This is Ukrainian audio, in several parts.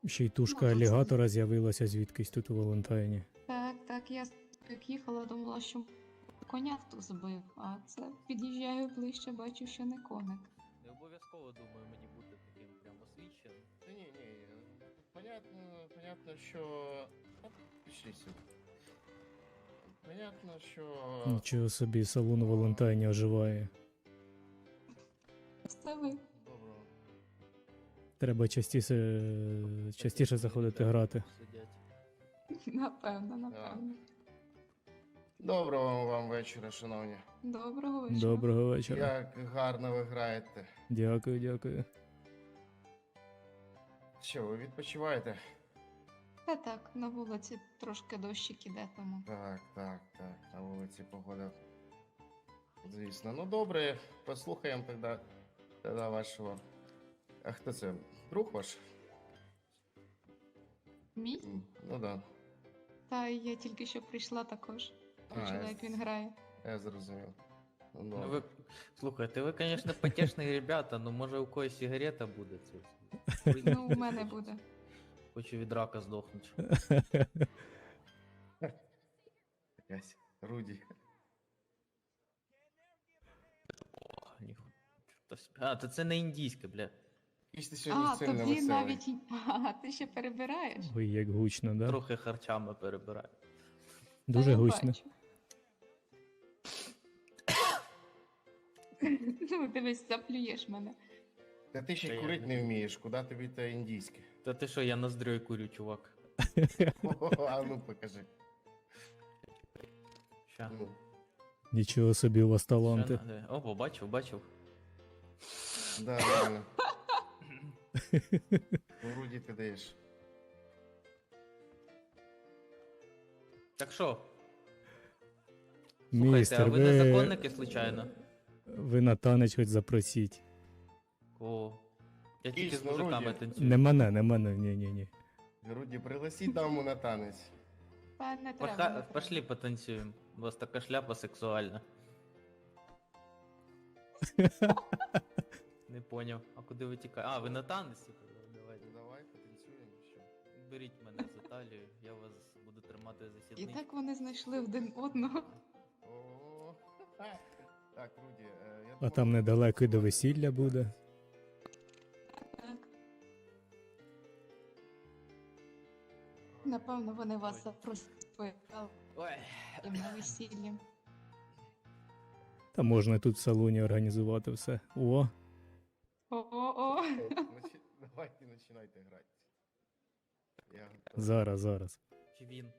Ще й тушка Ну, тут- алігатора з'явилася звідкись тут у Валентайні. Так, я як їхала, думала, що коня хто збив, а це під'їжджаю ближче, бачу, що не коник. Не обов'язково, думаю, мені бути таким прям освіченим. Та ні, понятно, що... Пішли сюди. Понятно, що... Нічого собі, салон у Валентайні оживає. Це ви. Доброго. Треба частіше заходити грати. Сидять. Напевно. Доброго вам вечора, шановні. Доброго вечора. Доброго вечора. Як гарно ви граєте. Дякую, дякую. Що, ви відпочиваєте? Так, на вулиці трошки дощик іде тому. Так, на вулиці погода. Звісно. Ну добре, послухаємо тоді вашого. А хто це? Друг ваш? Мій? Ну да. Та я тільки що прийшла також. Бачила, як він грає. Я зрозумів. Ну, Ну, добре. ви, слухайте, ви, конечно, потешні ребята, ну може у когось сигарета буде це. Ну, у мене буде. Хочу від рака здохнути. Якась Руді. О, ніхуя. А, то це не індійське, бля. Якийсь ти сьогодні А, сильно тобі веселий. навіть. А, ти ще перебираєш? Ой, як гучно, да? Трохи харчами перебираю. Дуже Та я гучно. бачу. Ну, дивись, заплюєш мене. Та ти ще Та й я курить не не вмієш, куди тобі те індійське? Та ти що, я ноздрёй курю, чувак. А ну покажи. Ща. Ну, Нічого собі у вас таланти. О, побачив. да, реально. Руді ти даєш. Так що? Слухайте, а Містер, ви не законники, случайно? ви на танець хоч запросіть. О, я тільки з Дійсно, мужиками Руді. танцюю. Не мене, ні. Руді, пригласіть даму на танець. Та не треба. не треба. Пошли потанцюємо. У вас така шляпа сексуальна. Не поняв. А куди ви тікаєте? А, ви на танці? Давайте. Давай потанцюємо. Що? Беріть мене за талію, я вас буду тримати за І сідниці. так вони знайшли один одного. О, так, Руді, я А думаю, там недалеко й до весілля буде. Так. Напевно, вони вас Ой. запросили Ой. на весіллі. Та можна тут в салоні організувати все. О, О-о-о. Давайте починайте грати. Я готовий. зараз. Чи він?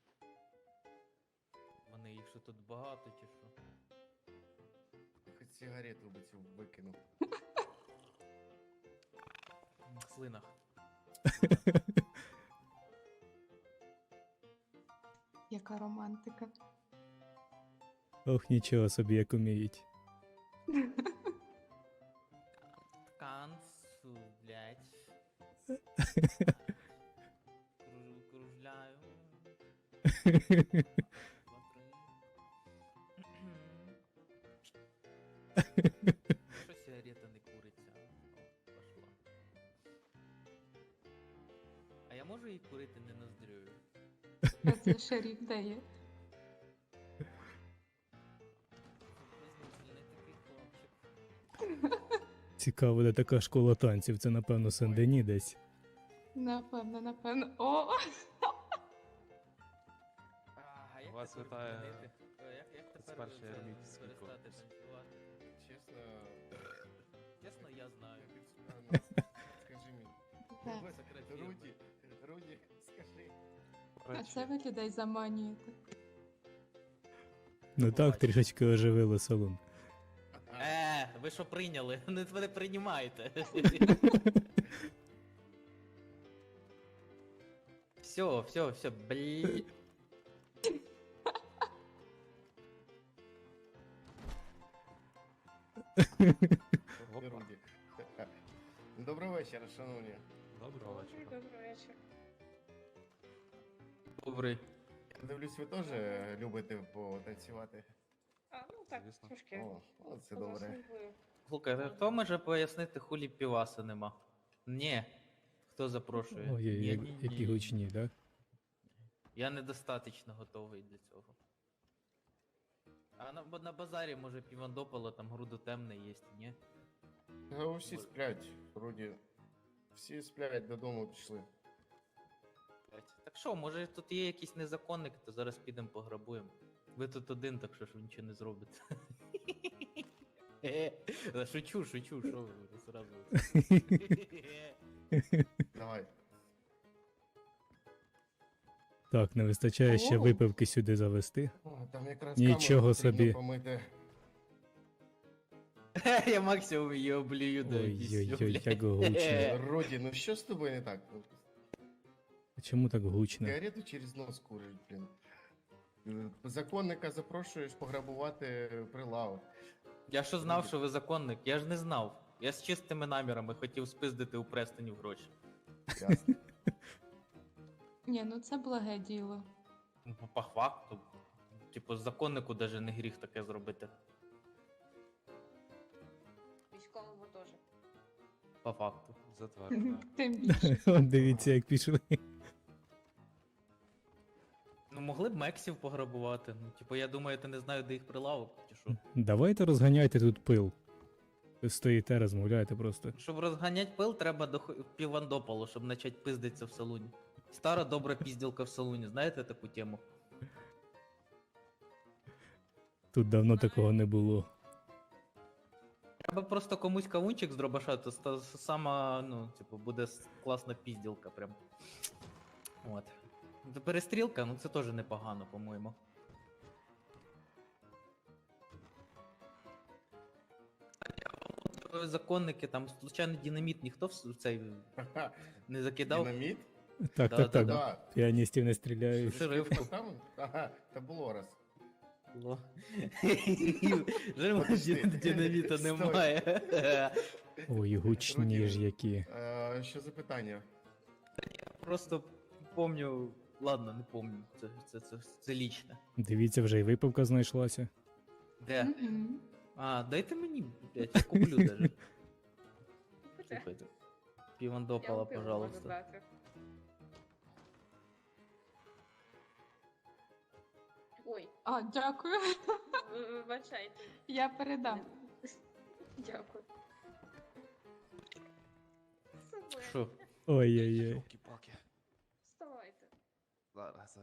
Вони їх що тут багато, чи що? Хоч сигарету би цю викинув. В слинах. Яка романтика. Ох, нічого собі, як уміють. Канцу, блядь. Кружляю. Що сигарета не куриться? О, пошла. А я можу її курити не ноздрюю? А це шеріф дає. Розносильний такий хлопчик. Цікаво, де така школа танців. Це, напевно, Сен-Дені десь. Напевно. О! А як Вас тепер вітає зупинити? Як тепер перший це армійський перестати корпус. танцювати? Чесно, Чесно, я знаю. скажи мені. Так. Секрет фірми. Руді, скажи. А це ви людей заманюєте. Ну так, трішечки оживили салон. Ви що прийняли? Ви не приймаєте. Все, блі. Руді. Доброго вечора, шановні. Доброго вечора. Добрий вечір. Добрий. Я дивлюсь, ви теж любите потанцювати. А, ну так, Звісно. трошки. О, це добре. Слухай, хто може пояснити, хулі піваса нема? Ні. Хто запрошує? Ой, які Ні-ні-ні. гучні, так? Я недостатньо готовий для цього. А на базарі, може, півандополо, там груду темне є, ні? Та усі сплять, вроді. Всі сплять, додому пішли. Так що, може тут є якийсь незаконник, то зараз підемо пограбуємо. Ви тут один, так що ж ви нічого не зробите. Шучу, що ви зразу. Давай. Так, не вистачає ще О. випивки сюди завести. О, там якраз Нічого камеру собі. потрібно помити. Я максимум її облію до Ой-ой-ой, як гучно. Роді, ну що з тобою не так? Ну, А чому так гучно? сигарету через нос курить, блін. Законника запрошуєш пограбувати прилавок. Я що знав, що ви законник? Я ж не знав. Я з чистими намірами хотів спиздити у Престонів гроші. Ясно. Ні, ну це благе діло. Ну, по факту. Типу, законнику даже не гріх таке зробити. Військовому теж. По факту. Затверджую. Тим більше. От дивіться, як пішли. Ну, могли б Мексів пограбувати. Ну, типу, я думаю, ти не знаю, де їх прилавок, чи що. Давайте розганяйте тут пил. Ви стоїте, розмовляєте просто. Щоб розганять пил, треба до півандополу, щоб почати пиздитися в салуні. Стара добра пізділка в салуні, знаєте таку тему? Тут давно такого не було. Треба просто комусь кавунчик з дробаша, то сама, ну, типу, буде класна пізділка прям. От. Це перестрілка, ну це теж непогано, по-моєму. Законники, там, случайно динаміт ніхто в цей Ха-ха. не закидав? Динаміт? Так, Да, так, да, так. Да. Піаністів не стріляють. Шерифку. Там? Ага, це було раз. Було. Жаль, Подожди. динаміта Стой. немає. Ой, гучні ж які. Що за питання? Просто помню. Ладно, не помню. Це лічне. Дивіться, вже і випивка знайшлася. Де? Мгм. А, дайте мені, блядь, я куплю даже. Слухайте. Півандопола, пожалуйста. Ой, А, дякую. вибачайте. Я передам. Дякую. Супер. Що? Ой-ой-ой. Йолки-палки. Вставайте. Зараз.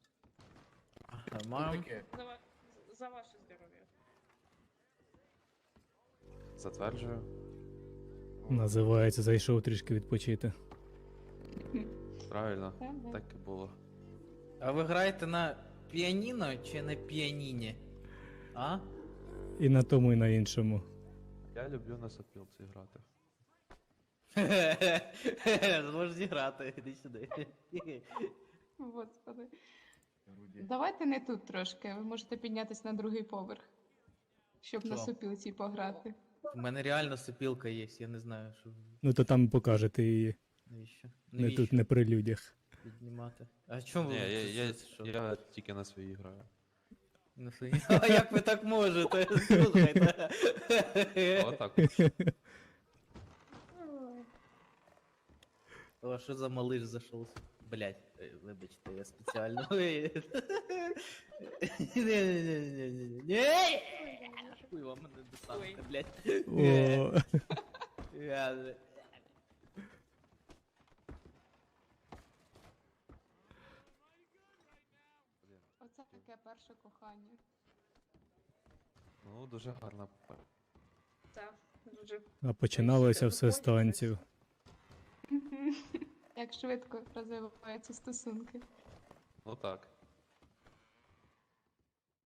Мам. Таке. За ваше здоров'я. Затверджую. Називається, зайшов трішки відпочити. Правильно, Та-да. так і було. А ви граєте на піаніно чи на піаніні? А? І на тому, і на іншому. Я люблю на сопілці грати. Зможеш зіграти, іди сюди. Господи. Руді. Давайте не тут трошки. Ви можете піднятися на другий поверх. Щоб на Що? сопілці пограти. У мене реально сопілка є, я не знаю, що. Ну то там покажете її. Навіщо? Не тут, не при людях. піднімати. А чому ви? Ні, це що? я тільки на своїй граю. Ну, що? А як ви так можете? Слухайте. Отак. О, що за малыш зайшов? Блять, вибачте, я спеціально. Ні-ні-ні-ні-ні. Хуй вам мене достанете, блять. О, Оце таке перше кохання. Ну, дуже гарна. Так, дуже. а починалося все з танців. Як швидко розвиваються стосунки. Ну так.